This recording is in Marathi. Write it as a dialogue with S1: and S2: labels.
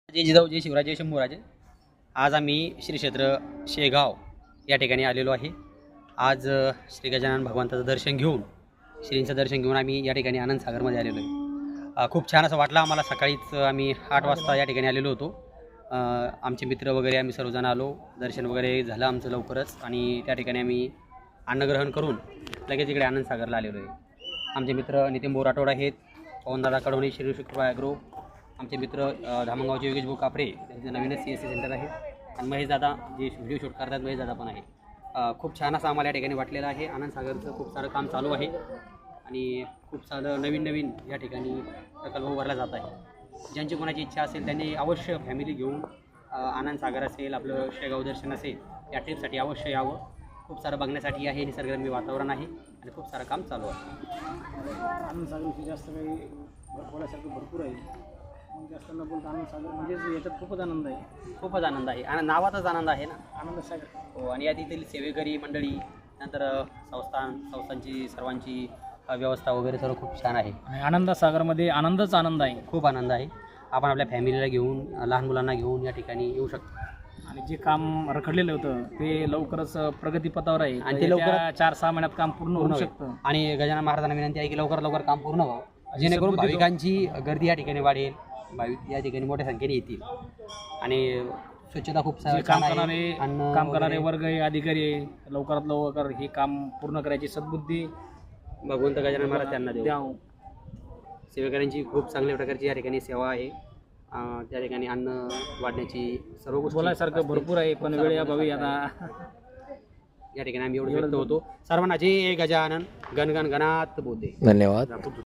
S1: जय जिजाऊ जय शिवराजे शंभूराजे. आज आम्ही श्री क्षेत्र शेगाव या ठिकाणी आलेलो आहे. आज श्री गजानन भगवंताचं दर्शन घेऊन श्रींचं दर्शन घेऊन आम्ही या ठिकाणी आनंदसागरमध्ये आलेलो आहे. खूप छान असं वाटलं आम्हाला. सकाळीच आम्ही 8 वाजता या ठिकाणी आलेलो होतो. आमचे मित्र वगैरे आम्ही सर्वजण आलो. दर्शन वगैरे झालं आमचं लवकरच आणि त्या ठिकाणी आम्ही अन्नग्रहण करून लगेच इकडे आनंदसागरला आलेलो आहे. आमचे मित्र नितीन बोराटोड आहेत, पवनदादा कडवणे, श्री शुक्र ॲग्रो, आमचे मित्र धामणगावचे योगेश भाऊ कापडे, त्यांचं नवीनच CSC सेंटर आहे, आणि महेश दादा जे व्हिडिओ शूट करतात, महेश दादा पण आहे. खूप छान असं आम्हाला या ठिकाणी वाटलेलं आहे. आनंदसागरचं खूप सारं काम चालू आहे आणि खूप सारं नवीन या ठिकाणी प्रकल्प उभारला जात आहे. ज्यांची कोणाची इच्छा असेल त्यांनी अवश्य फॅमिली घेऊन आनंदसागर असेल, आपलं शेगाव दर्शन असेल, या ट्रिपसाठी अवश्य यावं. खूप सारं बघण्यासाठी आहे, निसर्गरम्य वातावरण आहे आणि खूप सारं काम चालू आहे.
S2: आनंदसागरविषयी जास्त काही बोलायसारखं भरपूर आहे. जास्त न बोलता आनंदसागर म्हणजे याच्यात खूपच आनंद आहे.
S1: खूपच आनंद आहे आणि नावाचाच आनंद आहे ना
S2: आनंदसागर.
S1: हो. आणि या तिथील सेवेकरी मंडळी, नंतर संस्थांची सर्वांची व्यवस्था वगैरे सर्व खूप छान आहे.
S2: आणि आनंदसागरमध्ये आनंदच आनंद आहे.
S1: खूप आनंद आहे. आपण आपल्या फॅमिलीला घेऊन, लहान मुलांना घेऊन या ठिकाणी येऊ शकतो.
S2: आणि जे काम रखडलेलं होतं ते लवकरच प्रगतीपथावर आहे
S1: आणि ते लवकरात
S2: 4-6 महिन्यात काम पूर्ण होऊ शकतं.
S1: आणि गजानन महाराजांना विनंती आहे की लवकर काम पूर्ण व्हावं, जेणेकरून भाविकांची गर्दी या ठिकाणी वाढेल, भाविक या ठिकाणी मोठ्या संख्येने येतील. आणि स्वच्छता खूप
S2: काम करणारे वर्ग आहे, अधिकारी आहे, लवकरात लवकर हे काम पूर्ण करायची सद्बुद्धी
S1: भगवंत गजानन महाराज त्यांना
S2: द्यावं.
S1: सेवेकऱ्यांची खूप चांगल्या प्रकारची या ठिकाणी सेवा आहे. त्या ठिकाणी अन्न वाढण्याची सर्व गोष्टी
S2: बोलायसारखं भरपूर आहे, पण वेळ अभावी आता
S1: या ठिकाणी आम्ही एवढं व्यक्त होतो. सर्वांना जय गजानन. गण गण गणात बोलते.
S3: धन्यवाद.